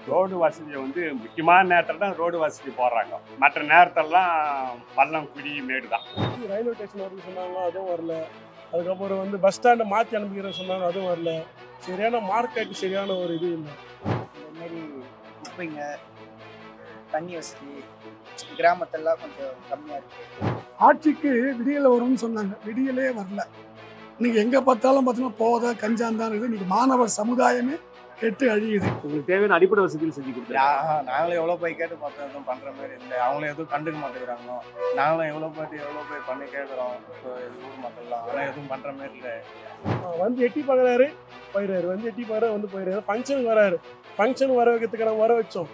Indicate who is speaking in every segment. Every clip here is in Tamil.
Speaker 1: ரோடு வசதியை வந்து முக்கியமான நேரத்தில் தான் ரோடு வசதி போடுறாங்க. மற்ற நேரத்திலலாம் பள்ளம் குழி மேடு தான்.
Speaker 2: ரயில்வே ஸ்டேஷன் வரணும்னு சொன்னாங்க, அதுவும் வரல. அதுக்கப்புறம் வந்து பஸ் ஸ்டாண்டை மாற்றி அனுப்பிக்கிறேன்னு சொன்னாங்க, அதுவும் வரல. சரியான மார்க்கெட் சரியான ஒரு இது இல்லை.
Speaker 3: இந்த மாதிரி குப்பைங்க, தண்ணி வசதி கிராமத்தெல்லாம் கொஞ்சம் கம்மியாக இருக்குது.
Speaker 4: ஆட்சிக்கு விடியல் வரும்னு சொன்னாங்க, விடியலே வரல. இன்னைக்கு எங்கே பார்த்தாலும் பார்த்தீங்கன்னா போதை கஞ்சாந்தான் இருக்குது. இன்னைக்கு மாணவர் சமுதாயமே கெட்டு அழியுது.
Speaker 5: உங்களுக்கு தேவையான அடிப்படை வசதிகள் செஞ்சு கொடுத்துருக்காங்க.
Speaker 3: நாங்களும் எவ்வளோ போய் கேட்டு பார்த்தோம், எதுவும் பண்ணுற மாதிரி இல்லை. அவங்களும் எதுவும் கண்டுக்க மாட்டேங்கிறாங்க. நாங்களும் எவ்வளோ போய் பண்ணி கேட்குறோம் ஊர் மக்கள்லாம், ஆனால் எதுவும் பண்ணுற மாதிரி இல்லை.
Speaker 2: வந்து எட்டி பார்க்குறாரு போயிடுறாரு, வந்து எட்டி பார்க்குறாரு வந்து போயிடுறாரு. ஃபங்க்ஷனுக்கு வராரு, ஃபங்க்ஷன் வர வைக்கிறதுக்கு நம்ம வர வச்சோம்.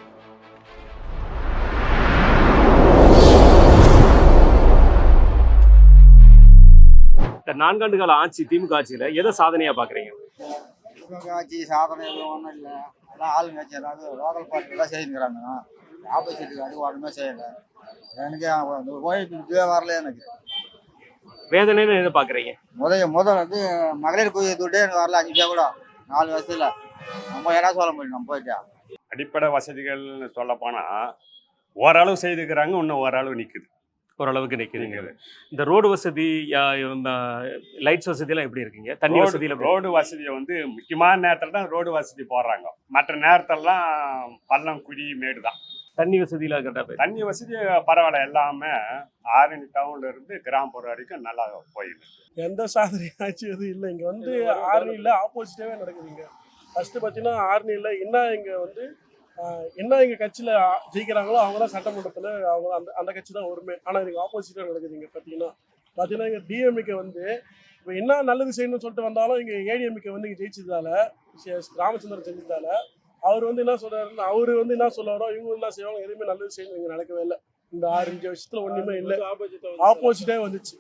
Speaker 5: இந்த 4 ஆண்டு கால ஆட்சி திமுக ஆட்சியில எதை சாதனையா பாக்குறீங்க?
Speaker 3: ஆட்சி சாதனை எதுவும் ஒன்றும் இல்லை. அதான் ஆளுங்கட்சி ஏதாவது லோக்கல் பார்ட்டிலாம் செய்யுங்கிறாங்க. ஆப்போசிட்டுக்கு அது ஒன்றுமே செய்யலை. எனக்கு அந்த ஓய்வு வரல. எனக்கு
Speaker 5: வேதனைன்னு எதை பாக்குறீங்க?
Speaker 3: முதல் வந்து மகளிர் குழு துட்டே எனக்கு வரல. 5 கூட 4 வருஷத்துல நம்ம யாராவது சொல்ல முடியும். நம்ம போயிட்டா
Speaker 1: அடிப்படை வசதிகள்னு சொல்ல போனால் ஓரளவு செய்துக்கிறாங்க, இன்னும் ஓரளவு நிற்குது.
Speaker 5: ஓரளவுக்கு நிற்கிறீங்க. இந்த ரோடு வசதி, லைட்ஸ் வசதி எல்லாம் எப்படி இருக்கீங்க? தண்ணி வசதியில
Speaker 1: ரோடு வசதியை வந்து முக்கியமான நேரத்தில் தான் ரோடு வசதி போடுறாங்க. மற்ற நேரத்திலலாம் பள்ளம் குழி மேடு தான்.
Speaker 5: தண்ணி வசதியில கரெக்டாக
Speaker 1: தண்ணி வசதி பரவாயில்ல. எல்லாமே ஆரணி டவுன்ல இருந்து கிராமப்புறம் வரைக்கும் நல்லா போயிடுது.
Speaker 2: எந்த சாதனை ஆட்சி எதுவும் இல்லை. இங்கே வந்து ஆர்னியில் ஆப்போசிட்டாகவே நடக்குதுங்க. ஃபஸ்ட்டு பார்த்தீங்கன்னா ஆர்னியில் என்ன எங்கள் கட்சியில் ஜெயிக்கிறாங்களோ அவங்க தான் சட்டமன்றத்தில் அவங்க அந்த கட்சி தான் உரிமை. ஆனால் இதுக்கு ஆப்போசிட்டாக நடக்குது. இங்கே பார்த்தீங்கன்னா இங்கே டிஎம்கே வந்து இப்போ என்ன நல்லது செய்யணும்னு சொல்லிட்டு வந்தாலும் இங்கே ஏடிஎம்கே வந்து இங்கே ஜெயிச்சதால, ராமச்சந்திரன் செஞ்சதால அவர் வந்து என்ன சொல்கிறாருன்னு அவர் வந்து என்ன சொல்லுவாரோ இவங்க என்ன செய்வாங்க, எதுவுமே நல்லது செய்யணும் இங்கே நடக்கவே இல்லை. இந்த 6-5 வருஷத்தில் ஒன்றுமே இல்லை, ஆப்போசிட்டாக வந்துச்சு.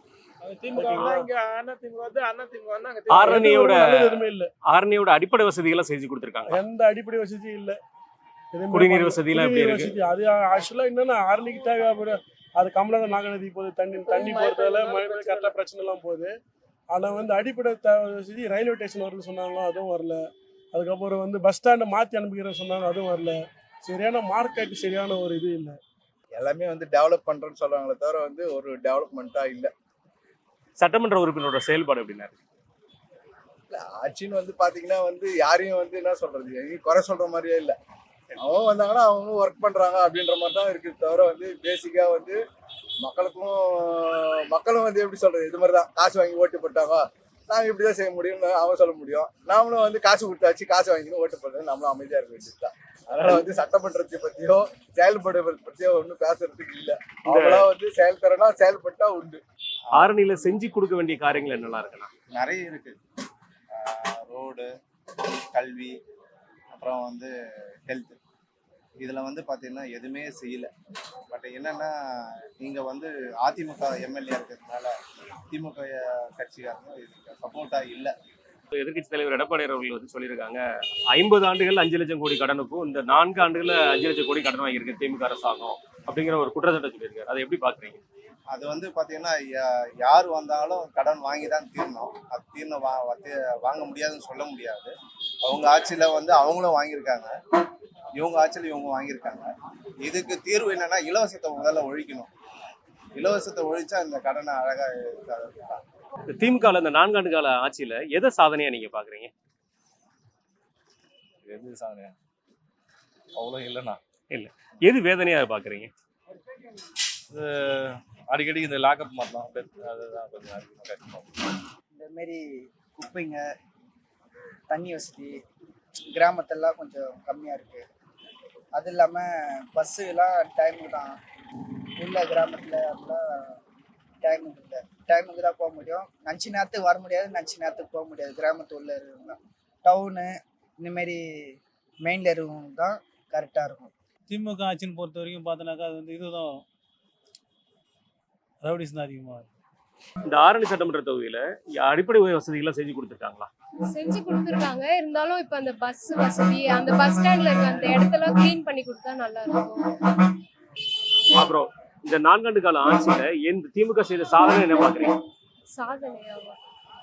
Speaker 5: ஆரணியோட அடிப்படை வசதிகளை செஞ்சு கொடுத்துருக்காங்க.
Speaker 2: எந்த அடிப்படை வசதியும் இல்லை.
Speaker 5: குடிநீர் வசதி எல்லாம் எப்படி இருக்கு?
Speaker 2: அது ஆக்சுவலா என்னன்னா ஆரணிக்கு தேவை. அது கமலாத நாகநதி போகுது, தண்ணி போறதால கரெக்டா பிரச்சனை எல்லாம் போகுது. ஆனா வந்து அடிப்படை வசதி ரயில்வே ஸ்டேஷன் வரணும்னு சொன்னாங்க, அதுவும் வரல. அதுக்கப்புறம் வந்து பஸ் ஸ்டாண்டை மாற்றி அனுப்பிக்கிறேன்னு சொன்னாங்க, அதுவும் வரல. சரியான மார்க்கெட் சரியான ஒரு இது இல்லை.
Speaker 6: எல்லாமே வந்து டெவலப் பண்றேன்னு சொல்றாங்களே தவிர வந்து ஒரு டெவலப்மெண்ட்டா இல்லை.
Speaker 5: சட்டமன்ற உறுப்பினரோட செயல்பாடு எப்படின்னா
Speaker 6: ஆட்சின்னு வந்து பாத்தீங்கன்னா வந்து யாரையும் வந்து என்ன சொல்றது, எங்கேயும் குறை சொல்ற மாதிரியே இல்லை. அவங்க வந்தாங்கன்னா அவங்க ஒர்க் பண்றாங்க அப்படின்ற மாதிரி தான் இருக்குது தவிர வந்து பேசிக்கா வந்து மக்களும் வந்து எப்படி சொல்றது, இது மாதிரி தான் காசு வாங்கி ஓட்டு போட்டாங்க, நாங்கள் இப்படிதான் செய்ய முடியும்னு அவன் சொல்ல முடியும். நாமளும் வந்து காசு கொடுத்தாச்சு, காசு வாங்கிக்கணும் ஓட்டு போடுறது, நம்மளும் அமைதியா இருக்க வேண்டியது தான். அதனால வந்து சட்டமன்றத்தை பத்தியோ செயல்படுவதை பத்தியோ ஒன்றும் பேசுறதுக்கு இல்லை. அவங்களா வந்து செயல்படுறா செயல்பட்டா உண்டு.
Speaker 5: ஆரணியில செஞ்சு கொடுக்க வேண்டிய காரியங்கள் என்னெல்லாம் இருக்குன்னா
Speaker 3: நிறைய இருக்கு. ரோடு, கல்வி, அப்புறம் வந்து ஹெல்த், இதில் வந்து பார்த்தீங்கன்னா எதுவுமே செய்யலை. பட் என்னென்னா நீங்கள் வந்து அதிமுக எம்எல்ஏ இருக்கிறதுனால திமுக கட்சிக்காரங்க இதுக்கு சப்போர்ட்டாக இல்லை.
Speaker 5: எதிர்கட்சி தலைவர் எடப்பாடி அவர்கள் வந்து சொல்லியிருக்காங்க, 50 ஆண்டுகள் 5 லட்சம் கோடி கடனுக்கும் இந்த 4 ஆண்டுகள் 5 லட்சம் கோடி கடன் வாங்கியிருக்கு திமுக அரசாங்கம் அப்படிங்கிற ஒரு குற்றச்சாட்டை சொல்லியிருக்காரு. அதை எப்படி பார்க்குறீங்க?
Speaker 3: அது வந்து பார்த்தீங்கன்னா யார் வந்தாலும் கடன் வாங்கி தான் தீரணும். அது தீர்ணம் வாங்க முடியாதுன்னு சொல்ல முடியாது. அவங்க ஆட்சியில் வந்து அவங்களும் வாங்கியிருக்காங்க, இவங்க ஆட்சியில் இவங்க வாங்கியிருக்காங்க. இதுக்கு தீர்வு என்னன்னா இலவசத்தை முதல்ல ஒழிக்கணும். இலவசத்தை ஒழிச்சா இந்த கடனை அழகாக.
Speaker 5: திமுக இந்த 4 ஆண்டு கால ஆட்சியில எதை சாதனையா நீங்க பாக்குறீங்க?
Speaker 6: எது சாதனையா அவ்வளோ இல்லைண்ணா.
Speaker 5: இல்ல, எது வேதனையா பாக்குறீங்க?
Speaker 6: அடிக்கடி இந்த லாக்அப் மாட்டலாம், அதுதான் கொஞ்சம் அதிகமாக.
Speaker 3: இந்த மாரி குப்பைங்க, தண்ணி வசதி கிராமத்தெல்லாம் கொஞ்சம் கம்மியாக இருக்குது. அது இல்லாமல் பஸ்ஸுலாம் டைமுக்கு தான் உள்ள கிராமத்தில் அப்படிலாம் டைமுக்கு இல்லை. டைமுக்கு தான் போக முடியும். நினச்சி நேரத்துக்கு வர முடியாது, நினச்சி நேரத்துக்கு போக முடியாது. கிராமத்து உள்ள இருக்கிறவங்க டவுனு இந்தமாரி மெயினில் இருக்கவங்க தான் கரெக்டாக இருக்கும்.
Speaker 7: திமுக ஆட்சின்னு பொறுத்த வரைக்கும் பார்த்தோன்னாக்கா அது வந்து இதுதான் ரவுடிஸ் தான் அதிகமாக இருக்கும்.
Speaker 5: இந்த ஆரணி சட்டமன்ற தொகுதியில அடிப்படை வசதிகளை செஞ்சு கொடுத்துருக்காங்களா?
Speaker 8: செஞ்சு கொடுத்துருக்காங்க. இருந்தாலும் இப்போ அந்த பஸ் வசதி, அந்த பஸ் ஸ்டாண்ட்ல இருக்க அந்த இடத்தெல்லாம் கிளீன் பண்ணி கொடுத்தா நல்லா இருக்கும்.
Speaker 5: அப்புறம் இந்த 4 ஆண்டு கால ஆட்சியில எந்த திமுக செய்த சாதனை என்ன பாக்குறீங்க?
Speaker 8: சாதனையாவா?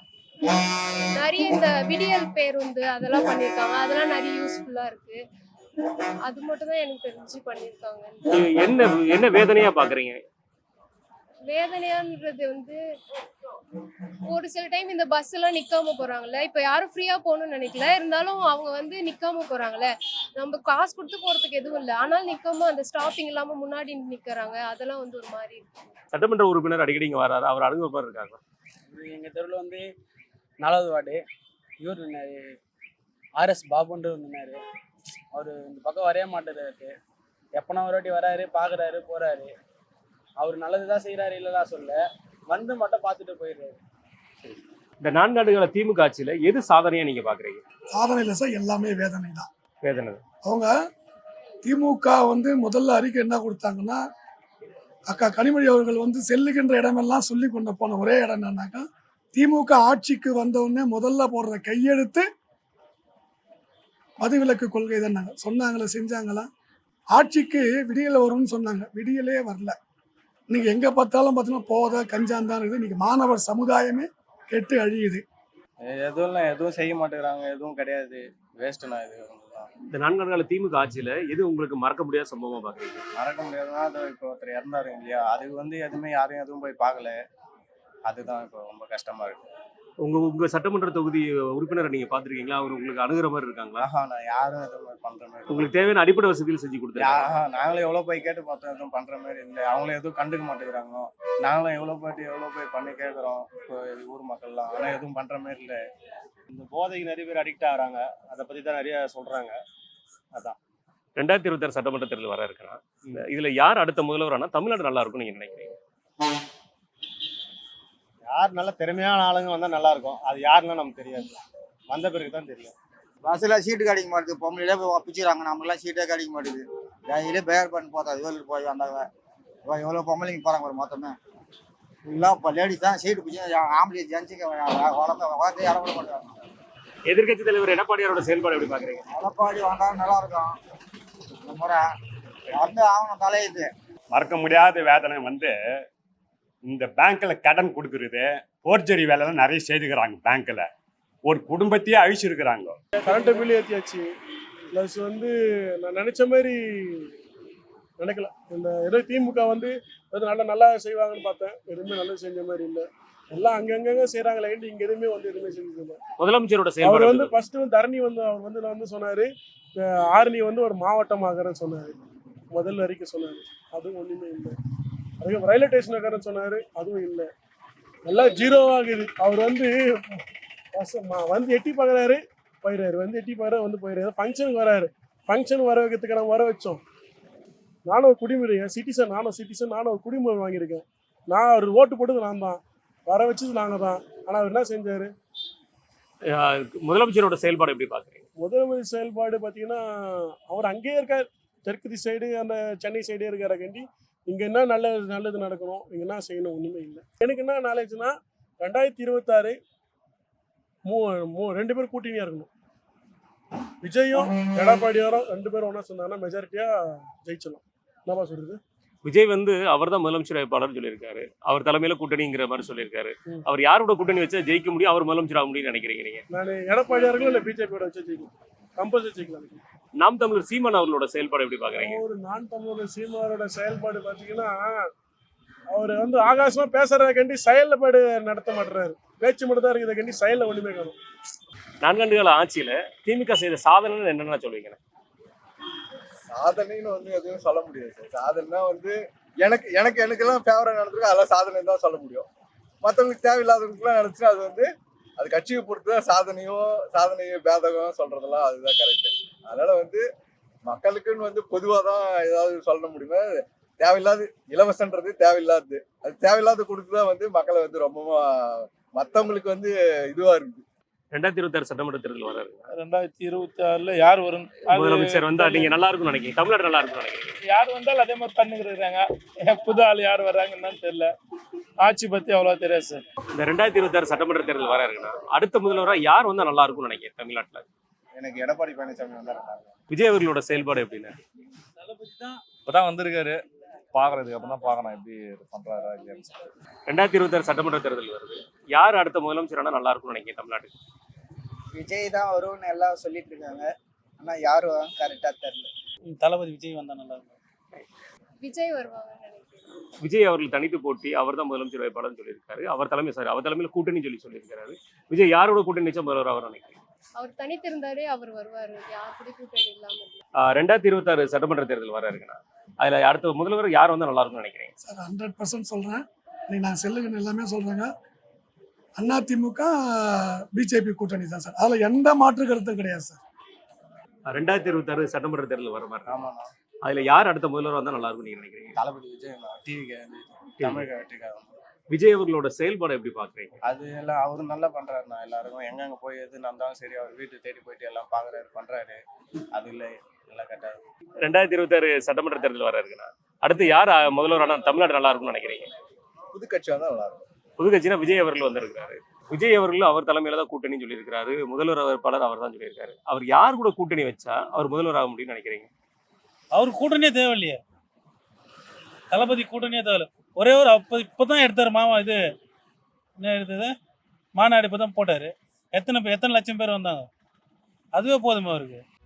Speaker 8: நிறைய இந்த விடியல் பேருந்து அதெல்லாம் பண்ணியிருக்காங்க. அதெல்லாம் நிறைய யூஸ்ஃபுல்லா இருக்கு. அது மட்டும் தான் எனக்கு தெரிஞ்சு பண்ணியிருக்காங்க.
Speaker 5: என்ன என்ன வேதனையா பாக்குறீங்க?
Speaker 8: வேதனையான்றது வந்து ஒரு சில டைம் இந்த பஸ் எல்லாம் நிக்காம போறாங்கல்ல, இப்ப யாரும் ஃப்ரீயா போகணும்னு நினைக்கல, இருந்தாலும் அவங்க வந்து நிக்காம போறாங்கல்ல. நம்ம காசு கொடுத்து போறதுக்கு எதுவும் இல்லை, ஆனாலும் நிக்காம அந்த ஸ்டாப்பிங் இல்லாம முன்னாடி நிக்கிறாங்க. அதெல்லாம் வந்து ஒரு மாதிரி இருக்கு.
Speaker 5: சட்டமன்ற உறுப்பினர் அடிக்கடி இங்க வராரு, அவர் அனுபவம் இருக்காங்க.
Speaker 9: எங்கள் தெருவில் வந்து 4வது வார்டு இவர் நின்னார், ஆர்எஸ் பாபுன்ற நின்னார். அவர் இந்த பக்கம் வரைய மாட்டேறாரு, எப்போனா ஒரு வாட்டி வராரு, பார்க்குறாரு, போகிறாரு. அவர் நல்லது தான் செய்கிறாரு, இல்லைதா சொல்ல, வந்து மட்டும் பார்த்துட்டு போயிடுறாரு.
Speaker 5: இந்த 4 ஆண்டுகள திமுக ஆட்சியில எது சாதனையா நீங்க பாக்குறீங்க?
Speaker 4: சாதனை இல்லை சார், எல்லாமே வேதனை தான்.
Speaker 5: வேதனை.
Speaker 4: அவங்க திமுக வந்து முதல்ல அறிக்கை என்ன கொடுத்தாங்கன்னா, அக்கா கனிமொழி அவர்கள் வந்து செல்லுகின்ற இடமெல்லாம் சொல்லி கொண்டு போன ஒரே இடம் என்னன்னாக்கா, திமுக ஆட்சிக்கு வந்தவுடனே முதல்ல போடுற கையெழுத்து மதுவிலக்கு கொள்கை தான் சொன்னாங்களே, செஞ்சாங்களா? ஆட்சிக்கு விடியல் வரும்னு சொன்னாங்க, விடியலே வரல. இன்னைக்கு எங்கே பார்த்தாலும் பார்த்தீங்கன்னா போதை கஞ்சான் தான் இருக்குது. இன்னைக்கு மாணவர் சமுதாயமே கெட்டு அழியுது.
Speaker 9: எதுவும் செய்ய மாட்டேங்கிறாங்க, எதுவும் கிடையாது, வேஸ்ட்டுண்ணா இது.
Speaker 5: இந்த 4 ஆண்டுகள திமுக ஆட்சியில எது உங்களுக்கு மறக்க முடியாத சம்பவமா பாக்குறீங்க?
Speaker 9: மறக்க முடியாதுன்னா அது இப்போ ஒருத்தர் இறந்தாரு இல்லையா, அது வந்து எதுவுமே யாரும் எதுவும் போய் பார்க்கல. அதுதான் இப்போ ரொம்ப கஷ்டமா இருக்கு.
Speaker 5: உங்க சட்டமன்ற தொகுதி உறுப்பினரை நீங்க பாத்திருக்கீங்களா? அவர் உங்களுக்கு அணுகிற மாதிரி இருக்காங்களா?
Speaker 9: நான் யாரும் எதுவும் பண்ற மாதிரி
Speaker 5: உங்களுக்கு தேவையான அடிப்படை வசதிகள் செஞ்சு கொடுத்தாங்க?
Speaker 9: நாங்களும் எவ்வளோ போய் கேட்டு பார்த்தோம், எதுவும் பண்ற மாதிரி இல்லை. அவங்களும் எதுவும் கண்டுக்க மாட்டேங்கிறாங்க. நாங்களும் எவ்வளோ போய் பண்ணி கேட்குறோம் இப்போ ஊர் மக்கள்லாம், ஆனால் எதுவும் பண்ற மாதிரி இல்லை.
Speaker 10: இந்த போதைக்கு நிறைய பேர் அடிக்ட் ஆகிறாங்க, அதை பற்றி தான் நிறைய சொல்கிறாங்க. அதான்
Speaker 5: 2026 சட்டமன்ற தேர்தல் வர இருக்கிறான். இதுல யார் அடுத்த முதல்வர் ஆனா தமிழ்நாடு நல்லா இருக்கும்னு நீங்க நினைக்கிறீங்க?
Speaker 10: யார் நல்ல திறமையான ஆளுங்க வந்தால் நல்லா இருக்கும். அது யாருன்னா நமக்கு தெரியாது, வந்த பிறகு தான் தெரியும்.
Speaker 3: பஸ்ஸில் சீட்டு கிடைக்க மாட்டேது, பொம்பளையிலே போய் பிடிச்சிடறாங்க, நம்மளாம் சீட்டே கிடைக்க மாட்டேது. டெய்லியே பேர் பண்ணி பார்த்தா வேலூர் போய் வந்தாங்க, எவ்வளோ பொம்பளைங்க போகிறாங்க ஒரு மொத்தமே ஃபுல்லாக. இப்போ லேடிஸ் தான் சீட்டு பிடிச்சி, ஆம்பளை ஜென்ஸுங்க வளர்த்து இடம் கூட மாட்டாங்க.
Speaker 5: எதிர்கட்சி தலைவர் எடப்பாடியாரோட செயல்பாடு எப்படி பாக்குறீங்க?
Speaker 3: எடப்பாடி வந்தாலும் நல்லா இருக்கும். இந்த முறை வந்து ஆகணும் தலையுது.
Speaker 1: மறக்க முடியாத வேதனை வந்து இந்த பேங்க்ல கடன் கொடுக்கறது, போர்ஜரி வேலைலாம் நிறைய செய்துக்கிறாங்க. பேங்க்ல ஒரு குடும்பத்தையே அழிச்சிருக்கிறாங்க.
Speaker 2: கரண்ட் பில் ஏற்றியாச்சு, ப்ளஸ் வந்து நான் நினச்ச மாதிரி நினைக்கல. இந்த ஏதோ திமுக வந்து நல்லா செய்வாங்கன்னு பார்த்தேன், எதுவுமே நல்லது செஞ்ச மாதிரி இல்லை. எல்லாம் அங்கங்க செய்கிறாங்களே, இங்கே எதுவுமே வந்து எதுவுமே செஞ்சதில்லை.
Speaker 5: முதலமைச்சரோட
Speaker 2: அவர்
Speaker 5: செயல்பாடு
Speaker 2: வந்து ஃபர்ஸ்ட் தரணி வந்து அவர் வந்து சொன்னார், ஆரணி வந்து ஒரு மாவட்டமாகறேன்னு சொன்னார், முதல்ல அறிக்கை சொன்னார். அதுவும் ஒன்றுமே இல்லை. அதுக்கு ரயில்வே ஸ்டேஷன் இருக்கிறேன்னு சொன்னார், அதுவும் இல்லை. எல்லாம் ஜீரோவாகுது. அவர் வந்து எட்டி பார்க்குறாரு, போயிடுறாரு, வந்து எட்டி பார்க்குறாரு, வந்து போயிடுறாரு. ஃபங்க்ஷனுக்கு வராரு, ஃபங்க்ஷனுக்கு வர வைக்கிறதுக்கு நம்ம வர வச்சோம். நானும் ஒரு குடிமுறை சிட்டிசன், நானும் ஒரு குடிமுறை வாங்கியிருக்கேன். நான் அவர் ஓட்டு போட்டது நான் தான், வர வச்சது நாங்கள் தான். ஆனால் அவர் என்ன செஞ்சார்?
Speaker 5: முதலமைச்சரோட செயல்பாடு எப்படி பாக்குறீங்க?
Speaker 2: முதலமைச்சர் செயல்பாடு பார்த்தீங்கன்னா, அவர் அங்கேயே இருக்கார், தெற்கு சைடு அந்த சென்னை சைடே இருக்காரக்காண்டி இங்கே என்ன நல்லது நடக்கணும், இங்கே என்ன செய்யணும், ஒன்றுமே இல்லை. எனக்கு என்ன நாலேஜ்னா 2026 2 பேரும் கூட்டணியாக இருக்கணும். விஜயும் எடப்பாடியாரும் 2 பேரும் ஒன்றா சொன்னாங்கன்னா மெஜாரிட்டியாக ஜெயிச்சிடலாம். என்னப்பா சொல்றது?
Speaker 5: விஜய் வந்து அவர் தான் முதலமைச்சர் வேட்பாளர் சொல்லியிருக்காரு, அவர் தலைமையில கூட்டணிங்கிற மாதிரி சொல்லியிருக்காரு. அவர் யாரோட கூட்டணி வச்சா ஜெயிக்க முடியும், அவர் முதலமைச்சர் ஆக முடியும்னு நினைக்கிறீங்க நீங்க?
Speaker 2: நான் எடப்பாடியார்களும் இல்லை பிஜேபியோட வச்சு ஜெயிக்கும், கம்பல்சரி ஜெயிக்கலாம்.
Speaker 5: நாம் தமிழர் சீமான் அவர்களோட செயல்பாடு எப்படி பாக்குறீங்க?
Speaker 2: ஒரு நான் தமிழர் சீமானோட செயல்பாடு பார்த்தீங்கன்னா, அவர் வந்து ஆகாசமா பேசுறதுக்காண்டி செயல்பாடு நடத்த மாட்டுறாரு, பேச்சு மட்டும் தான் இருக்குது கண்டி, செயலில் ஒன்றுமே காணும்.
Speaker 5: 4 ஆண்டுகால ஆட்சியில திமுக செய்த சாதனை என்னென்ன சொல்லுவீங்க?
Speaker 6: சாதனைன்னு வந்து எதுவும் சொல்ல முடியாது சார். சாதனைனா வந்து எனக்கெல்லாம் ஃபேவரட் நடந்திருக்கு, அதெல்லாம் சாதனை தான் சொல்ல முடியும். மற்றவங்களுக்கு தேவையில்லாதவங்களுக்குலாம் நினச்சுன்னா அது வந்து அது கட்சியை பொறுத்து தான் சாதனையோ பேதகம் சொல்றதெல்லாம் அதுதான் கரெக்டு. அதனால வந்து மக்களுக்குன்னு வந்து பொதுவாக தான் ஏதாவது சொல்ல முடியுமா? தேவையில்லாது இலவசன்றது தேவையில்லாது, அது தேவையில்லாத கொடுத்துதான் வந்து மக்களை வந்து ரொம்பவும் மற்றவங்களுக்கு வந்து இதுவா இருக்குது.
Speaker 5: 2026 சட்டமன்ற தேர்தல் வராரு.
Speaker 7: 2026 யார் வரும்?
Speaker 5: முதலமைச்சர் வந்தா நீங்க நல்லா இருக்கும்னு நினைக்கிறீங்க? தமிழ்நாடு நல்லா இருக்கும்னு நினைக்கிறீங்க?
Speaker 7: யார் வந்தாலும் அதே மாதிரி பண்ணிக்கிறாங்க. புது ஆள் யார் வர்றாங்கன்னு தெரியல, ஆட்சி பத்தி அவ்வளோ தெரியாது சார்.
Speaker 5: இந்த 2026 சட்டமன்ற தேர்தல் வர இருக்குன்னா அடுத்த முதல்வராக யார் வந்தா நல்லா இருக்கும்னு நினைக்கிறேன் தமிழ்நாட்டில்?
Speaker 6: எனக்கு எடப்பாடி பழனிசாமி வந்தா
Speaker 5: விஜய் அவர்களோட செயல்பாடு எப்படின்னு?
Speaker 10: இப்போதான் வந்திருக்காரு, பார்க்கறதுக்கு அப்புறம் தான் பார்க்கணும் எப்படி பண்றாரா இல்லையான்னு.
Speaker 5: 2026 சட்டமன்ற தேர்தல் வருது, யார் அடுத்த முதலமைச்சரானா நல்லா இருக்கும்னு நினைக்கிறேன் தமிழ்நாட்டுக்கு?
Speaker 3: விஜய் தான் வரும்னு எல்லாம் சொல்லிட்டு இருக்காங்க. ஆனால் யாரும் கரெக்டாக தெரில.
Speaker 9: தளபதி விஜய் வந்தா நல்லா இருக்கும்.
Speaker 8: விஜய் வருவாங்கன்னு நினைக்கிறேன்.
Speaker 5: விஜய் அவர்கள் தனித்து போட்டி அவர் தான் முதலமைச்சர் வேட்பாளர்னு சொல்லியிருக்காரு. அவர் தலைமையில் கூட்டணி சொல்லியிருக்காரு. விஜய் யாரோட கூட்டணி நிச்சயம் முதல்வர் அவர் நினைக்கிறேன்?
Speaker 8: அவர் தனித்திருந்தாலே அவர் வருவாரு. யார் கூட கூட்டணி இல்லாம இல்ல.
Speaker 5: 2026 சட்டமன்ற தேர்தல் வர இருக்குண்ணா. அதுல அடுத்த முதல்வர் யார் வந்தா நல்லா இருக்கும்னு நினைக்கிறேன்?
Speaker 4: சார் 100% சொல்கிறேன். இன்னைக்கு நான் செல்லுங்கன்னு எல்லாமே சொல்கிறேங்க. அதிமுக பிஜேபி கூட்டணி தான் சார். அதில் எந்த மாற்று கருத்தும் கிடையாது சார்.
Speaker 5: 2026 சட்டமன்ற தேர்தல் வர மாதிரி.
Speaker 6: ஆமாண்ணா.
Speaker 5: அதுல யார் அடுத்த முதல்வர் வந்தா நல்லா இருக்கும்னு நீங்க நினைக்கிறீங்க?
Speaker 6: தளபதி விஜய் டிவிக்கு தமிழக வெற்றிக்காக.
Speaker 5: விஜய் அவர்களோட செயல்பாடு எப்படி பாக்குறீங்க?
Speaker 6: அது எல்லாம் அவரும் நல்லா பண்றாருண்ணா. எல்லாருக்கும் எங்கெங்க போய் எது நடந்தாலும் சரி அவர் வீட்டு தேடி போயிட்டு எல்லாம் பாக்குறாரு பண்றாரு. அது இல்லை எல்லாம் கரெக்டாக.
Speaker 5: 2026 சட்டமன்ற தேர்தல் வர இருக்குண்ணா. அடுத்து யார் முதல்வரான தமிழ்நாடு நல்லா இருக்கும்னு நினைக்கிறீங்க?
Speaker 6: புது கட்சி வந்தால் நல்லா இருக்கும்.
Speaker 5: புது கட்சினா விஜய் அவர்கள் வந்திருக்காரு. விஜய் அவர்கள் அவர் தலைமையில தான் கூட்டணி சொல்லியிருக்காரு. முதல்வர் வேட்பாளர் அவர் தான் சொல்லியிருக்காரு. அவர் யார் கூட கூட்டணி வச்சா அவர் முதல்வர் ஆக முடியும்னு நினைக்கிறீங்க?
Speaker 9: அவருக்கு கூட்டணியே தேவையில்லையே. தளபதி கூட்டணியே தேவையில்ல. ஒரே ஒரு இப்போதான் எடுத்தார் மாமா. இது என்ன எடுத்தது மாநாடு இப்போ தான் போட்டார். எத்தனை லட்சம் பேர் வந்தாங்க. அதுவே போதுமே அவருக்கு.